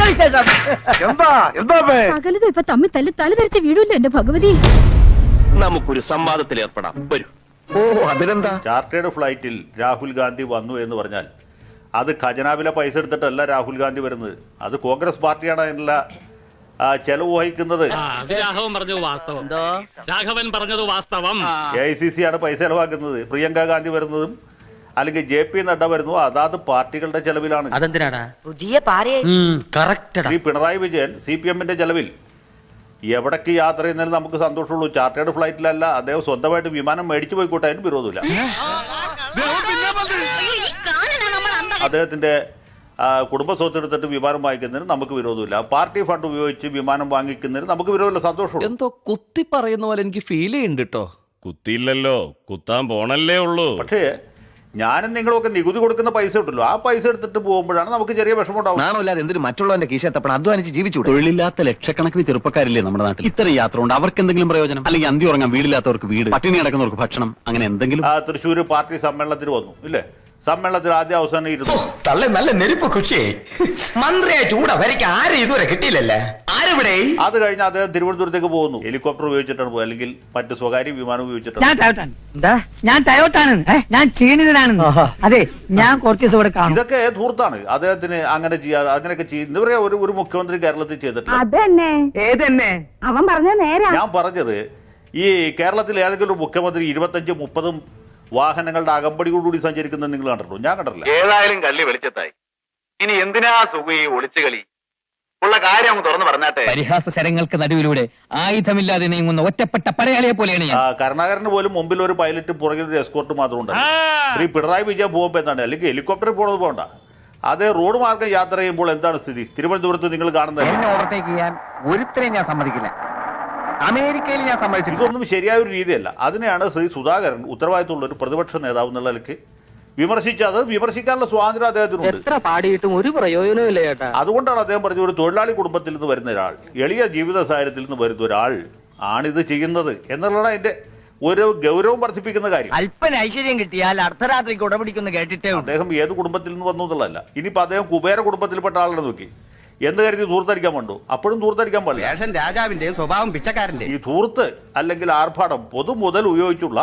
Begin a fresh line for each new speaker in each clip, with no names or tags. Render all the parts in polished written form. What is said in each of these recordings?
സകലതും ഇപ്പൊ തമ്മിൽ തലതെറിച്ച് വീഴൂല്ലോ എന്റെ ഭഗവതി.
നമുക്കൊരു സംവാദത്തിൽ ഏർപ്പെടാം. വരൂ.
ഓ അതിനെന്താ?
ചാർട്ടേഡ് ഫ്ലൈറ്റിൽ രാഹുൽ ഗാന്ധി വന്നു എന്ന് പറഞ്ഞാൽ അത് ഖജനാവിലെ പൈസ എടുത്തിട്ടല്ല രാഹുൽ ഗാന്ധി വരുന്നത്. അത് കോൺഗ്രസ് പാർട്ടിയാണ് അതിനുള്ള ചെലവ് വഹിക്കുന്നത്.
രാഘവൻ പറഞ്ഞത് വാസ്തവം.
AICC ആണ് പൈസ ചെലവാക്കുന്നത്. പ്രിയങ്ക ഗാന്ധി വരുന്നതും അല്ലെങ്കിൽ JP നഡ്ഡ വരുന്നു അതാത് പാർട്ടികളുടെ ചെലവിലാണ്. ശ്രീ പിണറായി വിജയൻ CPM-ന്റെ ചെലവിൽ എവിടേക്ക് യാത്ര ചെയ്യുന്നതിന് നമുക്ക് സന്തോഷമുള്ളൂ. ചാർട്ടേഡ് ഫ്ലൈറ്റിലല്ല, അദ്ദേഹം സ്വന്തമായിട്ട് വിമാനം മേടിച്ചു പോയിക്കോട്ടെ, അതിന് വിരോധമില്ല. അദ്ദേഹത്തിന്റെ കുടുംബ സ്വത്ത് എടുത്തിട്ട് വിമാനം വാങ്ങിക്കുന്നതിന് നമുക്ക് വിരോധമില്ല. പാർട്ടി ഫണ്ട് ഉപയോഗിച്ച് വിമാനം വാങ്ങിക്കുന്നതിന് നമുക്ക് വിരോധമില്ല, സന്തോഷമുള്ളൂ.
എന്തോ കുത്തി പറയുന്ന പോലെ എനിക്ക് ഫീൽ ചെയ്യുന്നുണ്ട് കേട്ടോ.
കുത്തിയില്ലല്ലോ, കുത്താൻ പോണല്ലേ ഉള്ളൂ.
പക്ഷേ ഞാനും നിങ്ങളൊക്കെ നികുതി കൊടുക്കുന്ന പൈസ ഉണ്ടല്ലോ, ആ പൈസ എടുത്തിട്ട് പോകുമ്പോഴാണ് നമുക്ക് ചെറിയ വിഷമം ഉണ്ടാവും.
നാണമില്ലാതെ എന്തിനും മറ്റുള്ളവന്റെ കീശത്തപ്പണം അധ്വാനിച്ച് ജീവിച്ചു.
തൊഴിലില്ലാത്ത ലക്ഷക്കണക്കിന് ചെറുപ്പക്കാരില്ലേ നമ്മുടെ നാട്ടിൽ. ഇത്രയും യാത്ര ഉണ്ട്, അവർക്ക് എന്തെങ്കിലും പ്രയോജനം? അല്ലെങ്കിൽ അന്തി ഉറങ്ങാൻ വീടില്ലാത്തവർക്ക് വീട്, പട്ടിണി കിടക്കുന്നവർക്ക് ഭക്ഷണം, അങ്ങനെ എന്തെങ്കിലും.
തൃശ്ശൂർ പാർട്ടി സമ്മേളനത്തിന് വന്നു ഇല്ലേ? സമ്മേളനത്തിൽ ആദ്യ അവസാനം ഇരുന്നു.
തള്ളെ നല്ല നെരുപ്പ് കുഷിയെ മന്ത്രിയായിട്ട് കൂടെ വരയ്ക്ക് ആരും ഇതുവരെ കിട്ടിയില്ലല്ലേ? ആരെവിടെ?
അത് കഴിഞ്ഞ് അദ്ദേഹം തിരുവനന്തപുരത്തേക്ക് പോകുന്നു. ഹെലികോപ്റ്റർ ഉപയോഗിച്ചിട്ടാണ് പോകുക, അല്ലെങ്കിൽ മറ്റ് സ്വകാര്യ വിമാനം ഉപയോഗിച്ചിട്ടാണ്.
ഞാൻ ടയോട്ടാണ്, ഞാൻ ക്ഷീണിതനാണ്. അതെ, ഞാൻ കുറച്ച് ദിവസം ഇവിടെ കാണും.
ഇതൊക്കെ ധൂർത്താണ്. അദ്ദേഹത്തിന് അങ്ങനെ ചെയ്യാ, അങ്ങനെയൊക്കെ ചെയ്യുന്ന ഒരു മുഖ്യമന്ത്രി കേരളത്തിൽ ചെയ്തിട്ടില്ല.
അവൻ പറഞ്ഞ നേരാ.
ഞാൻ പറഞ്ഞത് ഈ കേരളത്തിൽ ഏതെങ്കിലും ഒരു മുഖ്യമന്ത്രി 25-30 വാഹനങ്ങളുടെ അകമ്പടിയോടുകൂടി സഞ്ചരിക്കുന്നത് നിങ്ങൾ കണ്ടിട്ടുണ്ടോ? ഞാൻ കണ്ടിട്ടില്ല.
ഏതായാലും കള്ളി വെളിച്ചത്തായി. ഇനി എന്തിനാ സുഖി ഒളിച്ചു കളി? ഉള്ള കാര്യം അങ്ങ് തുറന്നു പറഞ്ഞാട്ടെ.
പരിഹാസ ശരങ്ങൾക്ക് നടുവിലൂടെ ആയുധമില്ലാതെ നീങ്ങുന്ന ഒറ്റപ്പെട്ട പടയാളിയെ പോലെയാണ് ഞാൻ.
കരുണാകരന് പോലും മുമ്പിൽ ഒരു പൈലറ്റ്, പുറകിൽ ഒരു എസ്കോർട്ട് മാത്രം ഉണ്ട്. ശ്രീ പിണറായി വിജയൻ പോകുമ്പോൾ എന്താണ്, അല്ലെങ്കിൽ ഹെലികോപ്റ്ററിൽ പോകണത് പോകണ്ട, അതേ റോഡ് മാർഗം യാത്ര ചെയ്യുമ്പോൾ എന്താണ് സ്ഥിതി? തിരുവനന്തപുരത്ത് നിങ്ങൾ കാണുന്നത്
ഓവർടേക്ക് ചെയ്യാൻ ഒരുത്തരെയും ഞാൻ സമ്മതിക്കില്ല. അമേരിക്കയിൽ ഞാൻ സമ്മതിച്ചു.
ഇതൊന്നും ശരിയായ ഒരു രീതിയല്ല. അതിനെയാണ് ശ്രീ സുധാകരൻ ഉത്തരവാദിത്തമുള്ള ഒരു പ്രതിപക്ഷ നേതാവ് എന്നുള്ള നിലയ്ക്ക് വിമർശിച്ചത്. വിമർശിക്കാനുള്ള സ്വാതന്ത്ര്യം അദ്ദേഹത്തിനുണ്ട്.
എത്ര പാടിയിട്ടും ഒരു പ്രയോജനമില്ല ചേട്ടാ.
അതുകൊണ്ടാണ് അദ്ദേഹം പറഞ്ഞ ഒരു തൊഴിലാളി കുടുംബത്തിൽ നിന്ന് വരുന്ന ഒരാൾ, എളിയ ജീവിത സാഹചര്യത്തിൽ നിന്ന് വരുന്ന ഒരാൾ ആണിത് ചെയ്യുന്നത് എന്നുള്ളതാണ് അതിന്റെ ഒരു ഗൗരവം വർദ്ധിപ്പിക്കുന്ന കാര്യം.
അല്പന ഐശ്വര്യം കിട്ടിയാൽ അർദ്ധരാത്രിക്ക് ഉടപിടിക്കുന്നു കേട്ടിട്ടേ.
അദ്ദേഹം ഏത് കുടുംബത്തിൽ നിന്ന് വന്നു എന്നുള്ളതല്ല. ഇനിയിപ്പോ അദ്ദേഹം കുബേര കുടുംബത്തിൽപ്പെട്ട ആളാണ് നോക്കി എന്ന് കരുതി ധൂർത്തടിക്കാൻ വേണ്ടു. അപ്പോഴും ധൂർത്തടിക്കാൻ പാടില്ല.
രാജാവിന്റെ സ്വഭാവം പിച്ചക്കാരന്റെ.
ഈ ധൂർത്ത് അല്ലെങ്കിൽ ആർഭാടം, പൊതു മുതൽ ഉപയോഗിച്ചുള്ള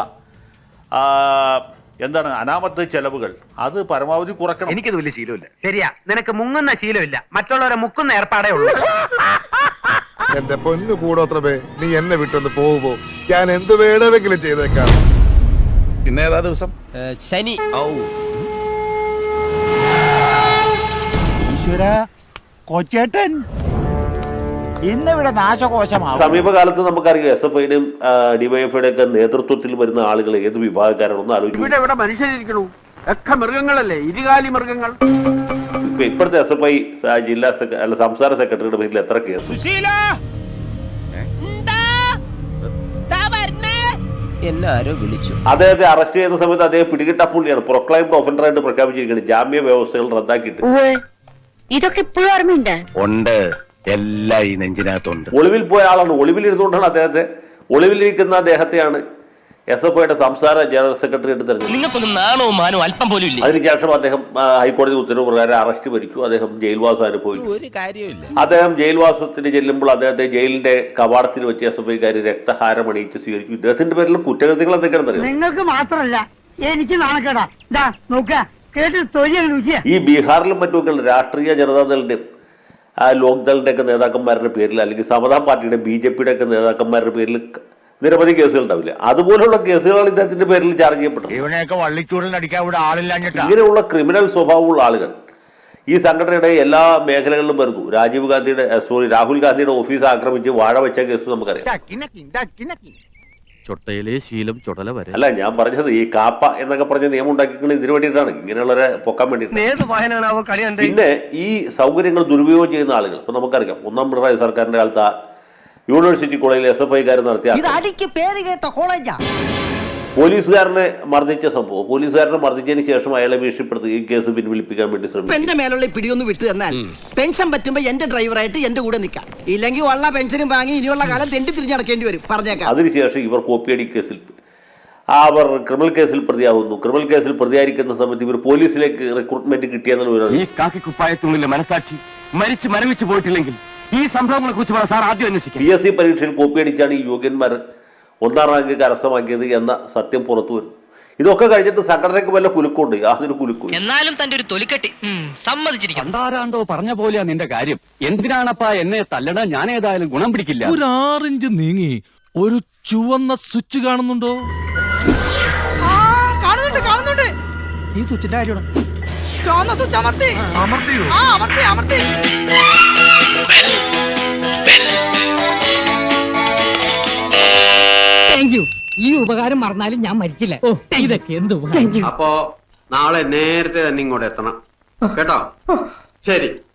എന്താണ് അനാമത്ത് ചെലവുകൾ, അത് പരമാവധി കുറക്കണം.
എനിക്കത് വലിയ ശീലമില്ല. ശരിയാ, നിനക്ക് മുങ്ങുന്ന ശീലമില്ല, മറ്റുള്ളവരെ മുക്കുന്ന ഏർപ്പാടേ ഉള്ളൂ.
എന്റെ പൊന്നു കൂടോത്രമേ, നീ എന്നെ വിട്ടൊന്ന് പോകുമ്പോ ഞാൻ എന്ത് വേണമെങ്കിലും ചെയ്തേക്കാം.
പിന്നെ ഏതാ ദിവസം? ശനി.
കൊച്ചേട്ടൻ ഇന്നിവിടെ നാശകോശമാവും.
സമീപകാലത്ത് നമുക്കറിയാം SFIയുടെയും DYFIയുടെ ഒക്കെ നേതൃത്വത്തിൽ വരുന്ന ആളുകൾ ഏത് വിഭാഗക്കാരാണെന്ന് ആലോചിക്കും.
ഇവിടെ മനുഷ്യരിക്കണു, ഒക്കെ മൃഗങ്ങളല്ലേ, ഇരുകാലി മൃഗങ്ങൾ.
ഇപ്പോഴത്തെ SFI ജില്ലാ സംസ്ഥാന സെക്രട്ടറിയുടെ പേരിൽ എത്ര കേസ്?
എല്ലാരും വിളിച്ചു.
അദ്ദേഹത്തെ അറസ്റ്റ് ചെയ്യുന്ന സമയത്ത് അദ്ദേഹം പിടികിട്ടപ്പുള്ളിയാണ്, പ്രൊക്ലൈംഡ് ഒഫൻഡറായിട്ട് പ്രഖ്യാപിച്ചിരിക്കുന്നത്. ജാമ്യ വ്യവസ്ഥകൾ റദ്ദാക്കിയിട്ട്.
ഇതൊക്കെ ഇപ്പോഴും ഓർമ്മയുണ്ട്.
ഉണ്ട്, എല്ലാം ഈ നെഞ്ചിനകത്തുണ്ട്.
ഒളിവിൽ പോയ ആളാണ്. ഒളിവിലിരുന്നുകൊണ്ടാണ് ഒളിവിലിരിക്കുന്ന അദ്ദേഹത്തെയാണ് SFIയുടെ സംസ്ഥാന ജനറൽ സെക്രട്ടറി ആയിട്ട് തെരഞ്ഞെടുത്തത്.
നിങ്ങൾക്കൊന്നും നാണവും മാനവും അല്പം പോലും ഇല്ല.
അതിനുശേഷം അദ്ദേഹം ഹൈക്കോടതി ഉത്തരവ് പ്രകാരം അറസ്റ്റ് ഭരിച്ചു. അദ്ദേഹം ജയിൽവാസം അനുഭവിച്ചു.
ഒരു കാര്യമില്ല.
അദ്ദേഹം ജയിൽവാസത്തിന് ചെല്ലുമ്പോൾ അദ്ദേഹത്തെ ജയിലിന്റെ കവാടത്തിൽ വെച്ച് SFIക്കാർ രക്തഹാരം അണിയിച്ച് സ്വീകരിച്ചു. ഇദ്ദേഹത്തിന്റെ പേരിൽ കുറ്റകൃത്യങ്ങൾ എന്തൊക്കെയാണെന്ന് അറിയാം.
നിങ്ങൾക്ക് മാത്രമല്ല എനിക്ക് നാണക്കേടാ.
ഈ ബീഹാറിലും മറ്റുമൊക്കെ രാഷ്ട്രീയ ജനതാദളിന്റെയും ലോക്ദളിന്റെ ഒക്കെ നേതാക്കന്മാരുടെ പേരിൽ, അല്ലെങ്കിൽ സമതാ പാർട്ടിയുടെ BJPയുടെ ഒക്കെ നേതാക്കന്മാരുടെ പേരിൽ നിരവധി കേസുകൾ ഉണ്ടാവില്ല. അതുപോലുള്ള കേസുകളാണ് ഇദ്ദേഹത്തിന്റെ പേരിൽ ചാർജ് ചെയ്യപ്പെട്ടത്. ഇങ്ങനെയുള്ള ക്രിമിനൽ സ്വഭാവമുള്ള ആളുകൾ ഈ സംഘടനയുടെ എല്ലാ മേഖലകളിലും വരുന്നു. രാഹുൽ ഗാന്ധിയുടെ ഓഫീസ് ആക്രമിച്ച് വാഴ വെച്ച കേസ് നമുക്കറിയാം.
ചൊട്ടയിലെ ശീലം ചുടല വരെ.
അല്ല, ഞാൻ പറഞ്ഞത് ഈ കാപ്പ എന്നൊക്കെ പറഞ്ഞ നിയമം ഉണ്ടാക്കിക്കുന്നത് ഇതിനു വേണ്ടിയിട്ടാണ്, ഇങ്ങനെയുള്ളവരെ പൊക്കാൻ വേണ്ടിയിട്ടാണ്. പിന്നെ ഈ സൗകര്യങ്ങൾ ദുരുപയോഗം ചെയ്യുന്ന ആളുകൾ, ഇപ്പൊ നമുക്കറിയാം 1ാം പിണറായി സർക്കാരിന്റെ കാലത്ത് യൂണിവേഴ്സിറ്റി കോളേജിൽ SFIക്കാർ നടത്തിയ പോലീസുകാരനെ മർദ്ദിച്ച സംഭവം, പോലീസുകാരനെ മർദ്ദിച്ചതിന് ശേഷം അയാളെ ഭീഷണിപ്പെടുത്തി ഈ കേസ് പിൻവലിപ്പിക്കാൻ വേണ്ടി ശ്രമിച്ചു.
എന്റെ മേലുള്ള പിടിയൊന്ന് വിട്ടു തന്നാൽ പെൻഷൻ പറ്റുമ്പോ എന്റെ ഡ്രൈവറായിട്ട് എന്റെ കൂടെ നിൽക്കാം, ഇല്ലെങ്കിൽ ഉള്ള പെൻഷനും വാങ്ങി ഇനിയുള്ള കാലം തെണ്ടി തിരിഞ്ഞടക്കേണ്ടി വരും പറഞ്ഞേക്കാം.
അതിനുശേഷം ഇവർ കോപ്പിയടി കേസിൽ അവർ ക്രിമിനൽ കേസിൽ പ്രതിയാവുന്നു. ക്രിമിനൽ കേസിൽ പ്രതിയായിരിക്കുന്ന സമയത്ത് ഇവർ പോലീസിലേക്ക് റിക്രൂട്ട്മെന്റ് കിട്ടിയെന്നുള്ള
ഈ കാക്കി കുപ്പായത്തിനുള്ളിലെ മനസാക്ഷി
മരിച്ച് മരവിച്ച് പോയിട്ടില്ലെങ്കിൽ ഈ സംഭവങ്ങളെ കുറിച്ച് സാർ ആദ്യം അന്വേഷിക്കും.
PSC പരീക്ഷയിൽ കോപ്പിയടിച്ചാണ് ഈ യോഗ്യന്മാർ 1ാം റാങ്ക് കരസ്ഥമാക്കിയത് എന്ന സത്യം പുറത്തു വരും. ഇതൊക്കെ കഴിഞ്ഞിട്ട് സംഘടനയ്ക്ക് വല്ല കുലുക്കുണ്ട്, യാതൊരു കുലുക്കും.
എന്നാലും തന്റെ ഒരു തൊലിക്കെട്ടി സമ്മതിച്ചിരിക്കും.
പണ്ടാരാണ്ടോ പറഞ്ഞ പോലെയാ നിന്റെ കാര്യം. എന്തിനാണപ്പാ എന്നെ തല്ലണ? ഞാൻ ഏതായാലും ഗുണം പിടിക്കില്ല.
ഒരു 6 ഇഞ്ച് നീങ്ങി ഒരു ചുവന്ന സ്വിച്ച് കാണുന്നുണ്ടോ?
കാണുന്നുണ്ട്.
ഈ സ്വിച്ചിന്റെ കാര്യമാണ്.
ചുവന്ന സ്വിച്ച് അമർത്തി. അമർത്തി.
Thank you. ഈ ഉപകാരം മറന്നാലും ഞാൻ മരിക്കില്ല. ഇതൊക്കെ എന്ത്
അപ്പോ നാളെ നേരത്തെ തന്നെ ഇങ്ങോട്ട് എത്തണം കേട്ടോ. ശരി.